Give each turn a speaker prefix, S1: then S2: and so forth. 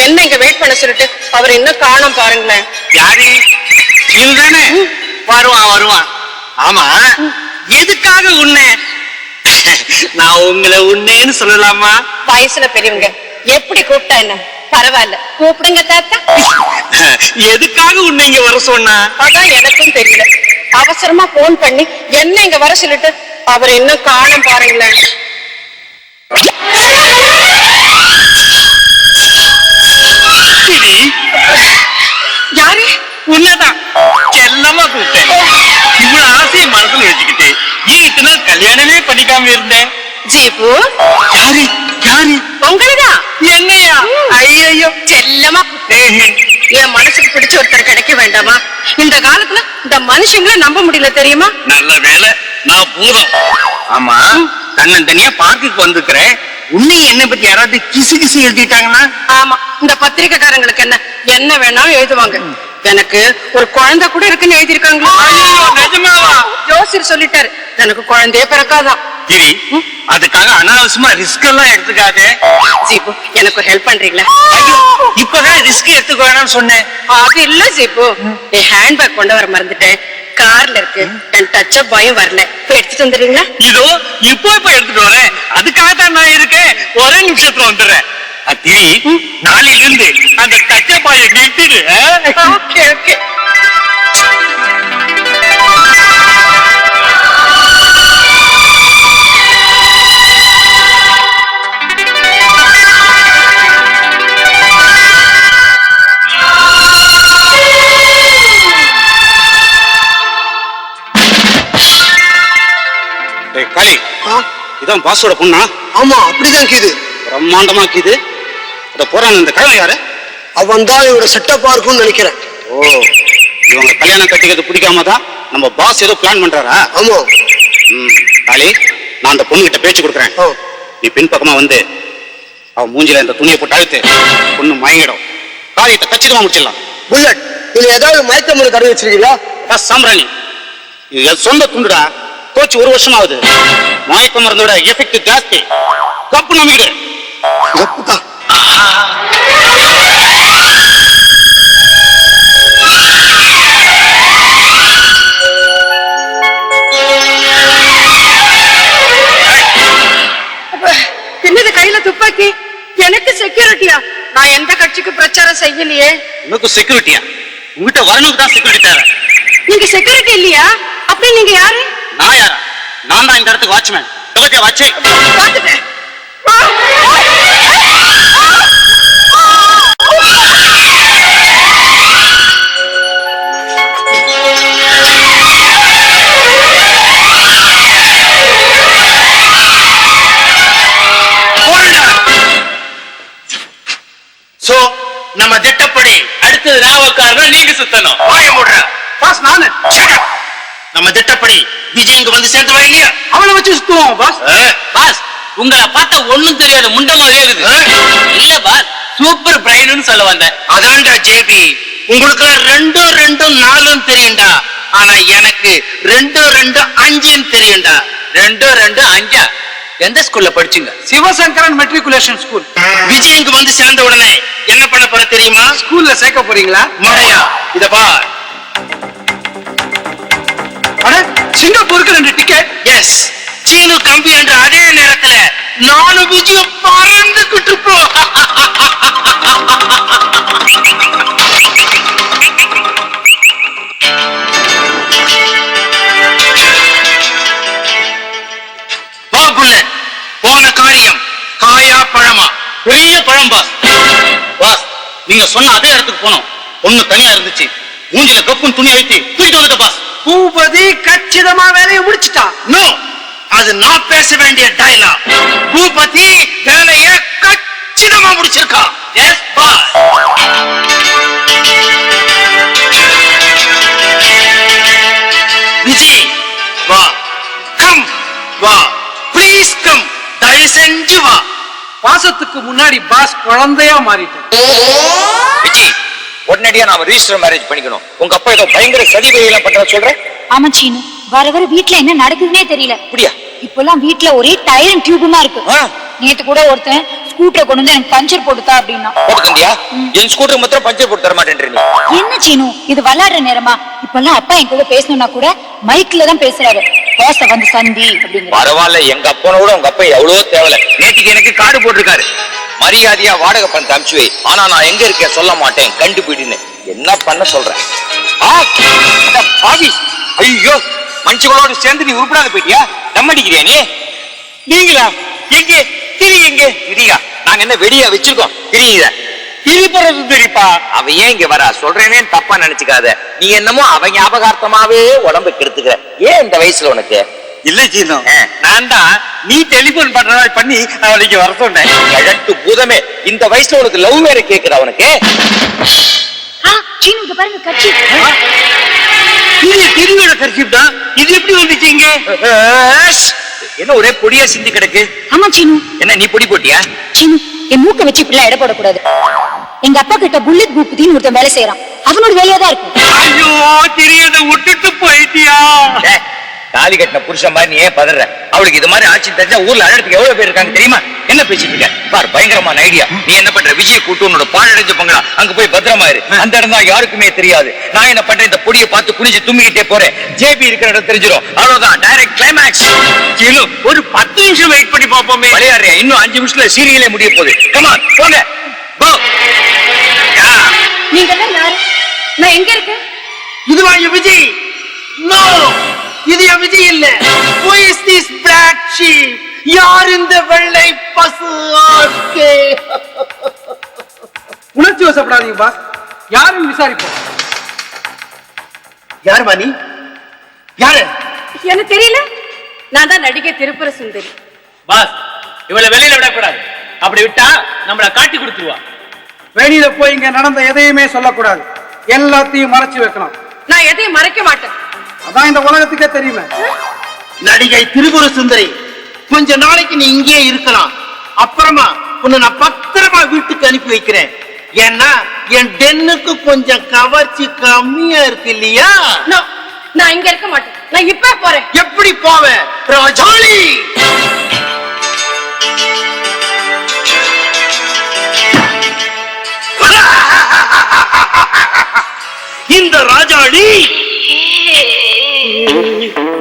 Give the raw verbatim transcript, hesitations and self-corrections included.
S1: என்ன இங்க வெயிட் பண்ண சொல்லிட்டு அவர் இன்னும் காணோம் பாருங்களேன்.
S2: யாரு தானே? வருவான் வருவான். ஆமா, எதுக்காக உன்னை? நான் உங்களை உன்னேன்னு சொல்லலாமா?
S1: வயசுல பெரியவங்க எப்படி கூப்பிட்டா என்ன, பரவாயில்ல கூப்பிடுங்க தாத்தா.
S2: எதுக்காக உன்னை இங்க வர சொன்னா?
S1: அதான் எனக்கும் தெரியல. அவசரமா போன் பண்ணி என்ன இங்க வர சொல்லிட்டு அவர் இன்னும் காணோம் பாருங்களேன். யாரு?
S2: உன்னதான் செல்லமா கூப்பிட்டேன். இவ்வளவு ஆசையை மனசுல வச்சுக்கிட்டு இத்தனை நாள் கல்யாணமே பண்ணிக்காம இருந்தேன்.
S1: ஜீபு.
S2: யாரு யாரு?
S1: உங்களதான்.
S2: என்னையா? ஐயோ,
S1: செல்லமா என் மனசுக்கு பிடிச்ச ஒருத்தர் கிடைக்க வேண்டாமா? இந்த காலத்துல இந்த மனுஷங்களை நம்ப முடியல தெரியுமா?
S2: நல்ல வேலை நான் பூதம். ஆமா, தன்னன் தனியா பார்க்குக்கு வந்துக்கிறேன். உன்னை என்ன பத்தி யாராவது கிசு கிசு எழுதிட்டாங்கன்னா?
S1: ஆமா, இந்த பத்திரிக்கைக்காரங்களுக்கு என்ன என்ன வேணாலும் எழுதுவாங்க. எனக்கு ஒரு குழந்தை கூட இருக்குன்னு எழுதிருக்காங்களா? ஜோசியர் சொல்லிட்டாரு எனக்கு குழந்தையே பிறக்காதான்.
S2: கிரி, அதுக்காக அனாவசியமா ரிஸ்க் எல்லாம் எடுத்துக்காதே.
S1: ஜீபு, எனக்கு ஹெல்ப் பண்றீங்களா?
S2: இப்பதான் ரிஸ்க் எடுத்துக்க வேணாம்னு சொன்னேன்.
S1: அது இல்ல ஜீபு, என் ஹேண்ட்பேக் கொண்டு வர மறந்துட்டேன். கார்ல இருக்கு, என் டச் அப் பயம் வரல. போய் எடுத்துட்டு வந்துடுறீங்களா? இதோ
S2: இப்போ இப்ப எடுத்துட்டு வரேன். அதுக்காக தான் நான் இருக்கேன். ஒரே நிமிஷத்துல வந்துடுறேன். அத்தி, நாளையில இருந்து அந்த டச் அப் பாயை நிறுத்திடு.
S1: Okay okay.
S2: காளி, இதான் பாஸோட பொண்ணா?
S3: ஆமா, அப்படிதான் கீது.
S2: பிரம்மாண்டமா கீது. அத போறான் இந்த கிழமை யாரு?
S3: அவன் தான் இவரோட செட்டப்பா இருக்கும்னு நினைக்கிறேன்.
S2: ஓ, இவங்க கல்யாணம் கட்டிக்கிறது பிடிக்காம தான் நம்ம பாஸ் ஏதோ பிளான் பண்றாரா?
S3: ஆமா.
S2: ம், காளி, நான் அந்த பொண்ணு கிட்ட பேச்சு கொடுக்குறேன். நீ பின் பக்கமா வந்து அவன் மூஞ்சில இந்த துணியை போட்டு அழுத்து. பொண்ணு மயங்கிடும். காரியத்தை கச்சிதமா முடிச்சிடலாம்.
S3: புல்லட், இதுல ஏதாவது மயக்க மருந்து கடை வச்சிருக்கீங்களா?
S2: சாம்பிராணி, இது என் சொந்த துண்டுடா. தோச்சு ஒரு வருஷம் ஆகுது. மயக்க மருந்தோட எஃபெக்ட் ஜாஸ்தி. கப்பு நம்பிக்கிடு.
S3: கப்புதான்.
S1: என்னது கையில துப்பாக்கி? எனக்கு செக்யூரிட்டியா? நான் எந்த கட்சிக்கு பிரச்சாரம் செய்யலையே.
S2: உனக்கு செக்யூரிட்டியா? உங்ககிட்ட வரணுக்கு தான் செக்யூரிட்டி தேவை.
S1: நீங்க செக்யூரிட்டி இல்லையா? அப்படி நீங்க யாரு?
S2: நான் யாரா? நான் தான் இந்த இடத்துக்கு வாட்ச்மேன். கலத்தியா வாட்சே?
S1: பாத்துட்டேன்.
S2: சோ, நம்ம திட்டப்படி அடுத்தது ராவக்காரனா நீங்க சுத்தணும். வாய மூடுற. பாஸ் நானு. நம்ம திட்டப்படி விஜய் இங்க வந்து சேர்ந்து இல்லையா? அவளை வச்சு சுத்துவோம் பாஸ். பாஸ், உங்களை பார்த்தா ஒண்ணும் தெரியாது, முண்ட மாதிரியே இருக்குது. இல்ல பாஸ், சூப்பர் பிரைன்னு சொல்ல வந்தேன். அதான்டா ஜேபி, உங்களுக்கு ரெண்டும் ரெண்டும் நாலும் தெரியும்டா. ஆனா எனக்கு ரெண்டும் ரெண்டும் அஞ்சுன்னு தெரியும்டா. ரெண்டும் ரெண்டு அஞ்சா? எந்த ஸ்கூல்ல படிச்சீங்க?
S3: Sivasankaran matriculation school.
S2: விஜய் இங்க வந்து சேர்ந்த உடனே என்ன பண்ண போற தெரியுமா?
S3: ஸ்கூல்ல சேர்க்க போறீங்களா?
S2: மழையா? இத பார்.
S3: அட, சிங்கப்பூருக்கு ரெண்டு டிக்கெட்.
S2: எஸ், சீனு கம்பி என்ற அதே நேரத்துல நானும் விஜயம் பறந்துகிட்டு போ. போன காரியம் காயா பழமா? பெரிய பழம் பாஸ். பாஸ், நீங்க சொன்ன அதே இடத்துக்கு போனோம். ஒண்ணு தனியா இருந்துச்சு. மூஞ்சில கப்புன்னு துணி அழுத்தி தூக்கிட்டு வந்துட்ட பாஸ்.
S3: பூபதி கச்சிதமா வேலையை முடிச்சுட்டா.
S2: நோ, அது நான் பேச வேண்டிய டயலாக். பூபதி வேலையை கச்சிதமா முடிச்சிருக்கா. S pass. விஜய் வா, கம் வா, ப்ளீஸ் கம், தயவு செஞ்சு வா.
S3: பாசத்துக்கு முன்னாடி பாஸ் குழந்தையா மாறிட்டான்.
S4: விஜய், உடனடியா நாம ரிஜிஸ்டர் மேரேஜ் பண்ணிக்கணும். உங்க அப்பா ஏதோ பயங்கர சதி வேலையெல்லாம் பண்ற சொல்றேன்.
S5: ஆமா சீனு, வர வர வீட்டுல என்ன நடக்குதுன்னே தெரியல.
S4: அப்படியா?
S5: இப்பெல்லாம் வீட்டுல ஒரே டயரும் டியூபுமா இருக்கு. நேத்து கூட ஒருத்தன் ஸ்கூட்டரை கொண்டு வந்து எனக்கு பஞ்சர் போட்டுத்தா அப்படின்னா.
S4: போட்டு தந்தியா? என் ஸ்கூட்டர் மாத்திரம் பஞ்சர் போட்டு தர மாட்டேன் நீ.
S5: என்ன சீனு இது விளையாடுற நேரமா? இப்பெல்லாம் அப்பா என் கூட பேசணும்னா கூட மைக்ல தான் பேசுறாரு. பாச வந்து சந்தி அப்படிங்கிற.
S4: பரவாயில்ல, எங்க அப்பனை விட உங்க அப்பா எவ்வளவோ தேவல. நேற்றுக்கு எனக்கு கார்டு போட்டிருக்காரு, மரியாதையா வாடகை பணத்தை அனுப்பிச்சு வை, ஆனா நான் எங்க இருக்கேன் சொல்ல மாட்டேன் கண்டுபிடின்னு. என்ன பண்ண சொல்றேன்? பாவி, ஐயோ மனுஷங்களோட சேர்ந்து நீ உருப்படாத போயிட்டியா? தம் அடிக்கிறியா நீ? நீங்களா? எங்க திரி? எங்க திரியா? நாங்க என்ன வெடியா வச்சிருக்கோம் திரியுத? திரிபுறது தெரிப்பா. அவ ஏன் இங்க வரா சொல்றேனே தப்பா நினைச்சுக்காத. நீ என்னமோ அவ ஞாபகார்த்தமாவே உடம்பு கெடுத்துக்கிற. ஏன் இந்த வயசுல உனக்கு?
S2: இல்ல சீனோ, நான் தான் நீ டெலிபோன் பண்ற பண்ணி அவளுக்கு வர சொன்னேன்.
S4: கழட்டு பூதமே, இந்த வயசுல உனக்கு லவ் வேற கேக்குற அவனுக்கு?
S5: சீனு இங்க பாருங்க கட்சி.
S2: இது திருவிழா கட்சிப் தான். இது எப்படி வந்துச்சு இங்க?
S4: என்ன ஒரே பொடியா சிந்தி கிடக்கு?
S5: ஆமா சீனு.
S4: என்ன நீ பொடி போட்டியா?
S5: சீனு என் மூக்க வச்சு இப்படிலாம் எடை போடக்கூடாது. எங்க அப்பா கிட்ட புல்லட் பூபதின்னு ஒருத்தன் வேலை செய்யறான். அவனோட வேலையா தான் இருக்கும்.
S2: ஐயோ தெரியாத விட்டுட்டு போயிட்டியா?
S4: தாலி கட்டின புருஷன் மாதிரி நீ ஏன் பதற? அவளுக்கு இது மாதிரி ஆட்சி தெரிஞ்சா ஊர்ல அழகத்துக்கு எவ்வளவு பேர் இருக்காங்க தெரியுமா? என்ன பேசிட்டு இருக்க பார், பயங்கரமான ஐடியா. நீ என்ன பண்ற? விஜய் கூட்டு உன்னோட பாழடைஞ்ச பங்களா அங்க போய் பத்திரமா இரு. அந்த இடம் தான் யாருக்குமே தெரியாது. நான் என்ன பண்றேன்? இந்த பொடியை பார்த்து குனிஞ்சு தும்பிக்கிட்டே போறேன். ஜேபி இருக்கிற இடம் தெரிஞ்சிடும். அவ்வளவுதான், டைரக்ட் கிளைமேக்ஸ்.
S2: ஒரு பத்து நிமிஷம் வெயிட் பண்ணி பாப்போமே.
S4: விளையாடுறேன், இன்னும் அஞ்சு நிமிஷத்துல சீரியலே முடிய போகுது. கமான் போங்க.
S1: நீங்க எல்லாம் யாரு? நான் எங்க இருக்கேன்?
S2: இதுவா என் விஜய்? நோ, இது என் விஜய் இல்ல. Who is this black sheep? யார் இந்த வெள்ளை பசு ஆட்கே?
S3: உணர்ச்சி வசப்படாதீங்க பாஸ், யாரும் விசாரிப்போம்.
S2: யார் மாணி? யாரு?
S1: எனக்கு தெரியல. நான் தான் நடிகை திருப்புர சுந்தரி.
S2: பாஸ், இவளை வெளியில விடக்கூடாது. அப்படி விட்டா நம்மள காட்டி கொடுத்துருவா.
S3: வெளியில போய் இங்க நடந்த எதையுமே சொல்லக்கூடாது. எல்லாத்தையும் மறைச்சு வைக்கணும்.
S1: நான் எதையும் மறைக்க மாட்டேன்.
S3: அதான் இந்த உலகத்துக்கே தெரியுமே.
S2: நடிகை திரிபுர சுந்தரி, கொஞ்ச நாளைக்கு நீ இங்கேயே இருக்கலாம். அப்புறமா உன்னை நான் பத்திரமா வீட்டுக்கு அனுப்பி வைக்கிறேன். ஏன்னா என் டென்னுக்கு கொஞ்சம் கவர்ச்சி கம்மியா இருக்கு இல்லையா?
S1: No, நான் இங்க இருக்க மாட்டேன். நான் இப்ப போறேன்.
S2: எப்படி போவேன் ராஜாளி? இந்த ராஜாளி